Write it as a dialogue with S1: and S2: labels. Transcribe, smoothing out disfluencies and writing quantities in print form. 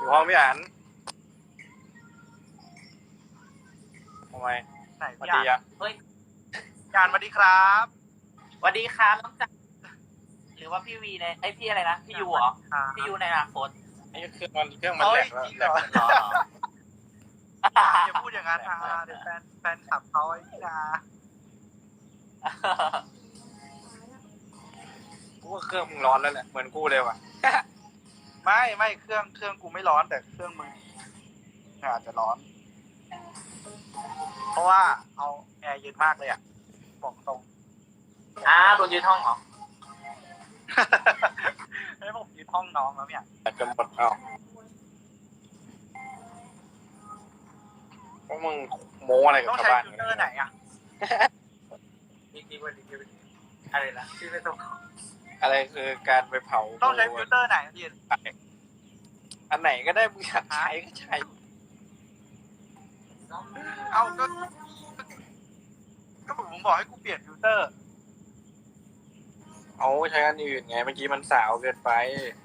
S1: อยู่ห้องพี่อันทำไม
S2: ไหน
S1: สวัส
S2: พี่
S1: ดี
S2: อ่าน
S1: อะ
S3: เฮ้ย
S2: ยานสวัสดีครับ
S3: สวัสดีครับน้องจักรหรือว่าพี่วีในพี่อะไรนะพี่ยูเหรอพี่ยูในอนาคต
S1: ไอ้เครื่องมันแหลกแล้ว
S2: จริง
S1: แห
S2: เห
S1: ล
S2: ร
S1: ก
S2: อ
S3: เหรอ
S2: อย่าพูดอย่างนั้นนะเดี๋ยวแฟนขับเขาไอ้นี่นะ
S1: กูว่าเครื่องมึงร้อนแล้วแหละเหมือนกูเลยว่ะ
S2: ไม่เครื่องกูไม่ร้อนแต่เครื่องมึงอาจจะร้อน เพราะว่าเอาแอร์เย็นมากเลยอ่ะบอกตรง
S3: โดนยืนห้องเหรอ
S2: ให้ผมยืนห้องน้องแล้วเนี่ย
S1: แต่จนหมดเอาพวกมึงโม้อะไรกับ
S2: ต้อง
S1: ชาว
S2: ใช้
S1: บ้าน
S2: ฟิลเตอร์ไหนอ่ะ
S3: ดีอะไรนะที่ไม่ต้อง
S1: อะไรคือการไปเผา
S2: ต้องใช้ฟิลเตอร์ไหนพี่
S1: อันไหนก็ได้มึงอยากใช้ก็ใช้
S2: เอาก็ผมบอกให้กูเปลี่ยนฟิลเตอร์
S1: เอาใช้อันอื่นไงเมื่อกี้มันสาวเกินไป